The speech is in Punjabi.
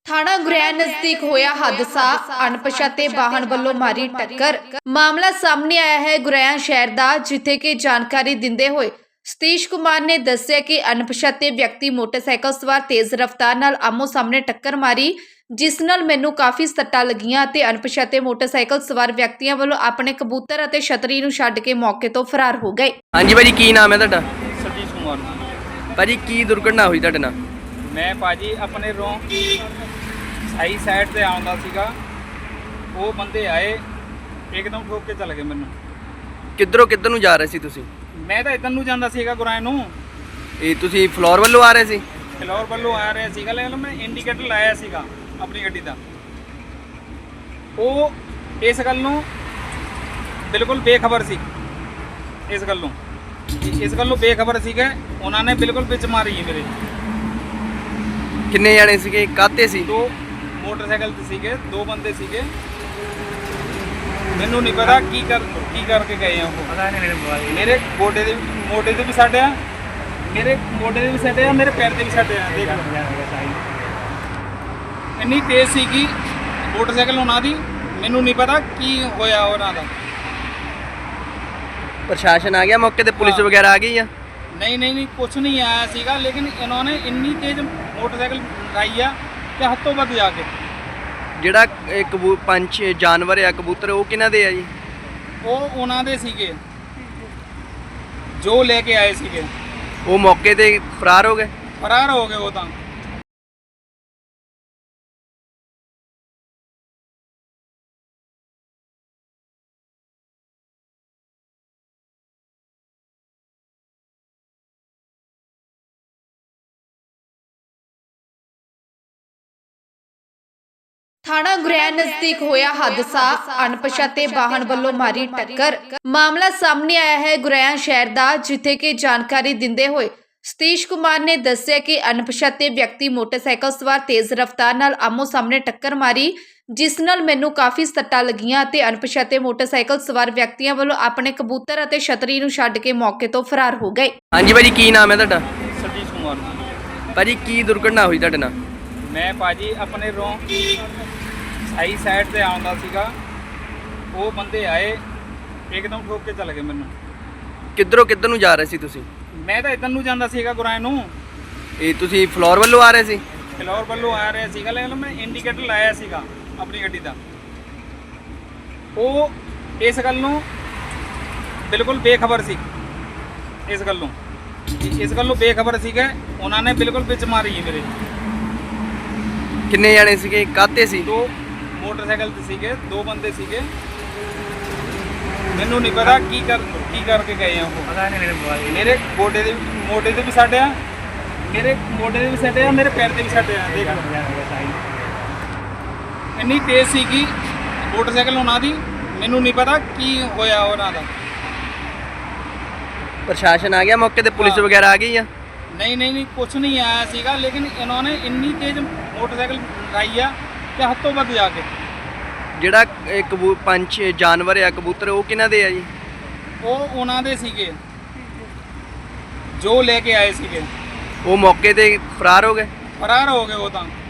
ਥਾਣਾ ਗੁਰੈਣ ਨਜ਼ਦੀਕ ਹੋਇਆ ਹਾਦਸਾ ਅਣਪਛਾਤੇ ਵਾਹਨ ਵੱਲੋਂ ਮਾਰੀ ਟੱਕਰ। ਮਾਮਲਾ ਸਾਹਮਣੇ ਆਇਆ ਹੈ ਗੁਰੈਣ ਸ਼ਹਿਰ ਦਾ, ਜਿੱਥੇ ਕਿ ਜਾਣਕਾਰੀ ਦਿੰਦੇ ਹੋਏ ਸਤੀਸ਼ ਕੁਮਾਰ ਨੇ ਦੱਸਿਆ ਕਿ ਅਣਪਛਾਤੇ ਵਿਅਕਤੀ ਮੋਟਰਸਾਈਕਲ ਸਵਾਰ ਤੇਜ਼ ਰਫ਼ਤਾਰ ਨਾਲ ਆਮੋ ਸਾਹਮਣੇ ਟੱਕਰ ਮਾਰੀ, ਜਿਸ ਨਾਲ ਮੈਨੂੰ ਕਾਫੀ ਸੱਟਾਂ ਲੱਗੀਆਂ ਅਤੇ ਅਣਪਛਾਤੇ ਮੋਟਰਸਾਈਕਲ ਸਵਾਰ ਵਿਅਕਤੀਆਂ ਵੱਲੋਂ ਆਪਣੇ ਕਬੂਤਰ ਅਤੇ ਛਤਰੀ ਨੂੰ ਛੱਡ ਕੇ ਮੌਕੇ ਤੋਂ ਫਰਾਰ ਹੋ ਗਏ। ਹਾਂਜੀ ਭਾਜੀ, ਕੀ ਨਾਮ ਹੈ ਤੁਹਾਡਾ? ਸਤੀਸ਼ ਕੁਮਾਰ। ਭਾਜੀ, ਕੀ ਦੁਰਘਟਨਾ ਹੋਈ ਤੁਹਾਡੇ ਨਾਲ? ਮੈਂ ਭਾਜੀ ਆਪਣੇ ਰੋਂ ਸਹੀ ਸਾਈਡ ਤੇ ਆਉਂਦਾ ਸੀਗਾ, ਉਹ ਬੰਦੇ ਆਏ ਇੱਕਦਮ ਠੋਕ ਕੇ ਚਲੇ ਗਏ ਮੈਨੂੰ। ਕਿੱਧਰ ਨੂੰ ਜਾ ਰਹੇ ਸੀ ਤੁਸੀਂ? ਮੈਂ ਤਾਂ ਇੱਧਰ ਨੂੰ ਜਾਂਦਾ ਸੀਗਾ ਗੁਰਾਇਆਂ ਨੂੰ। ਇਹ ਤੁਸੀਂ ਫਲੋਰ ਵੱਲੋਂ ਆ ਰਹੇ ਸੀ? ਫਲੋਰ ਵੱਲੋਂ ਆ ਰਿਹਾ ਸੀਗਾ, ਲੇਕਿਨ ਮੈਂ ਇੰਡੀਕੇਟਰ ਲਾਇਆ ਸੀਗਾ ਆਪਣੀ ਗੱਡੀ ਦਾ। ਉਹ ਇਸ ਗੱਲ ਨੂੰ ਬਿਲਕੁਲ ਬੇਖਬਰ ਸੀ, ਇਸ ਗੱਲ ਨੂੰ ਬੇਖਬਰ ਸੀਗੇ। ਉਹਨਾਂ ਨੇ ਬਿਲਕੁਲ ਵਿੱਚ ਮਾਰੀ ਮੇਰੇ। ਕਿੰਨੇ ਜਾਣੇ ਸੀਗੇ, ਕਾਹਤੇ ਸੀ? ਦੋ ਮੋਟਰਸਾਈਕਲ ਤੇ ਸੀਗੇ, ਦੋ ਬੰਦੇ ਸੀਗੇ। ਮੈਨੂੰ ਨਹੀਂ ਪਤਾ ਕੀ ਕਰਕੇ ਗਏ ਆ ਉਹ। ਮੇਰੇ ਮੋਢੇ ਤੇ ਵੀ ਸੱਟ ਆ, ਮੇਰੇ ਪੈਰ ਤੇ ਵੀ ਸੱਟ ਆ। ਦੇਖ ਇੰਨੀ ਤੇਜ਼ ਸੀਗੀ ਮੋਟਰਸਾਈਕਲ ਉਹਨਾਂ ਦੀ, ਮੈਨੂੰ ਨਹੀਂ ਪਤਾ ਕੀ ਹੋਇਆ ਉਹਨਾਂ ਦਾ। ਪ੍ਰਸ਼ਾਸਨ ਆ ਗਿਆ ਮੌਕੇ ਤੇ? ਪੁਲਿਸ ਵਗੈਰਾ ਆ ਗਈ ਆ? ਨਹੀਂ ਕੁਛ ਨਹੀਂ ਆਇਆ ਸੀਗਾ, ਲੇਕਿਨ ਇਹਨਾਂ ਨੇ ਇੰਨੀ ਤੇਜ਼ ਮੋਟਰਸਾਈਕਲ ਲਾਈ ਆ ਕਿ ਹੱਥੋਂ ਵੱਧ ਜਾ ਕੇ। ਜਿਹੜਾ ਪੰਛ ਜਾਨਵਰ ਆ ਕਬੂਤਰ, ਉਹ ਕਿਹਨਾਂ ਦੇ ਆ ਜੀ? ਉਹ ਉਹਨਾਂ ਦੇ ਸੀਗੇ ਜੋ ਲੈ ਕੇ ਆਏ ਸੀਗੇ। ਉਹ ਮੌਕੇ ਤੇ ਫਰਾਰ ਹੋ ਗਏ ਉਹ ਤਾਂ। ਥਾਣਾ ਗੁਰੈਣ ਨਜ਼ਦੀਕ ਹੋਇਆ ਹਾਦਸਾ ਅਣਪਛਾਤੇ ਵਾਹਨ ਵੱਲੋਂ ਮਾਰੀ ਟੱਕਰ। ਮਾਮਲਾ ਸਾਹਮਣੇ ਆਇਆ ਹੈ ਗੁਰੈਣ ਸ਼ਹਿਰ ਦਾ, ਜਿੱਥੇ ਕਿ ਜਾਣਕਾਰੀ ਦਿੰਦੇ ਹੋਏ ਸਤੀਸ਼ ਕੁਮਾਰ ਨੇ ਦੱਸਿਆ ਕਿ ਅਣਪਛਾਤੇ ਵਿਅਕਤੀ ਮੋਟਰਸਾਈਕਲ ਸਵਾਰ ਤੇਜ਼ ਰਫ਼ਤਾਰ ਨਾਲ ਆਮੋ ਸਾਹਮਣੇ ਟੱਕਰ ਮਾਰੀ, ਜਿਸ ਨਾਲ ਮੈਨੂੰ ਕਾਫੀ ਸੱਟਾਂ ਲੱਗੀਆਂ ਅਤੇ ਅਣਪਛਾਤੇ ਮੋਟਰਸਾਈਕਲ ਸਵਾਰ ਵਿਅਕਤੀਆਂ ਵੱਲੋਂ ਆਪਣੇ ਕਬੂਤਰ ਅਤੇ ਛਤਰੀ ਨੂੰ ਛੱਡ ਕੇ ਮੌਕੇ ਤੋਂ ਫਰਾਰ ਹੋ ਗਏ। ਹਾਂਜੀ ਭਾਜੀ, ਕੀ ਨਾਮ ਹੈ ਤੁਹਾਡਾ? ਸਤੀਸ਼ ਕੁਮਾਰ। ਭਾਜੀ, ਕੀ ਦੁਰਘਟਨਾ ਹੋਈ ਤੁਹਾਡੇ ਨਾਲ? ਮੈਂ ਭਾਜੀ ਆਪਣੇ ਰੋਂ ਸਹੀ ਸਾਈਡ ਤੇ ਆਉਂਦਾ ਸੀਗਾ, ਉਹ ਬੰਦੇ ਆਏ ਇੱਕਦਮ ਠੋਕ ਕੇ ਚਲੇ ਗਏ ਮੈਨੂੰ। ਕਿੱਧਰ ਨੂੰ ਜਾ ਰਹੇ ਸੀ ਤੁਸੀਂ? ਮੈਂ ਤਾਂ ਇੱਧਰ ਨੂੰ ਜਾਂਦਾ ਸੀਗਾ ਗੁਰਾਇਆਂ ਨੂੰ। ਇਹ ਤੁਸੀਂ ਫਲੋਰ ਵੱਲੋਂ ਆ ਰਹੇ ਸੀ? ਫਲੋਰ ਵੱਲੋਂ ਆ ਰਿਹਾ ਸੀਗਾ, ਲੇਕਿਨ ਮੈਂ ਇੰਡੀਕੇਟਰ ਲਾਇਆ ਸੀਗਾ ਆਪਣੀ ਗੱਡੀ ਦਾ। ਉਹ ਇਸ ਗੱਲ ਨੂੰ ਬਿਲਕੁਲ ਬੇਖਬਰ ਸੀ, ਇਸ ਗੱਲ ਨੂੰ ਬੇਖਬਰ ਸੀਗੇ। ਉਹਨਾਂ ਨੇ ਬਿਲਕੁਲ ਵਿੱਚ ਮਾਰੀ ਮੇਰੇ। ਕਿੰਨੇ ਜਾਣੇ ਸੀਗੇ, ਕਾਹਤੇ ਸੀ? ਦੋ ਮੋਟਰਸਾਈਕਲ ਤੇ ਸੀਗੇ, ਦੋ ਬੰਦੇ ਸੀਗੇ। ਮੈਨੂੰ ਨਹੀਂ ਪਤਾ ਕੀ ਕਰਕੇ ਗਏ ਆ ਉਹ। ਮੇਰੇ ਮੋਢੇ ਤੇ ਵੀ ਸੱਟ ਆ, ਮੇਰੇ ਪੈਰ ਤੇ ਵੀ ਸੱਟ ਆ। ਦੇਖ ਇੰਨੀ ਤੇਜ਼ ਸੀਗੀ ਮੋਟਰਸਾਈਕਲ ਉਹਨਾਂ ਦੀ, ਮੈਨੂੰ ਨਹੀਂ ਪਤਾ ਕੀ ਹੋਇਆ ਉਹਨਾਂ ਦਾ। ਪ੍ਰਸ਼ਾਸਨ ਆ ਗਿਆ ਮੌਕੇ ਤੇ? ਪੁਲਿਸ ਵਗੈਰਾ ਆ ਗਈ ਆ? ਨਹੀਂ ਕੁਛ ਨਹੀਂ ਆਇਆ ਸੀਗਾ, ਲੇਕਿਨ ਇਹਨਾਂ ਨੇ ਇੰਨੀ ਤੇਜ਼ ਮੋਟਰਸਾਈਕਲ ਲਾਈ ਆ ਕਿ ਹੱਥੋਂ ਵੱਧ ਜਾ ਕੇ। ਜਿਹੜਾ ਪੰਛ ਜਾਨਵਰ ਆ ਕਬੂਤਰ, ਉਹ ਕਿਹਨਾਂ ਦੇ ਆ ਜੀ? ਉਹ ਉਹਨਾਂ ਦੇ ਸੀਗੇ ਜੋ ਲੈ ਕੇ ਆਏ ਸੀਗੇ। ਉਹ ਮੌਕੇ ਤੇ ਫਰਾਰ ਹੋ ਗਏ ਉਹ ਤਾਂ।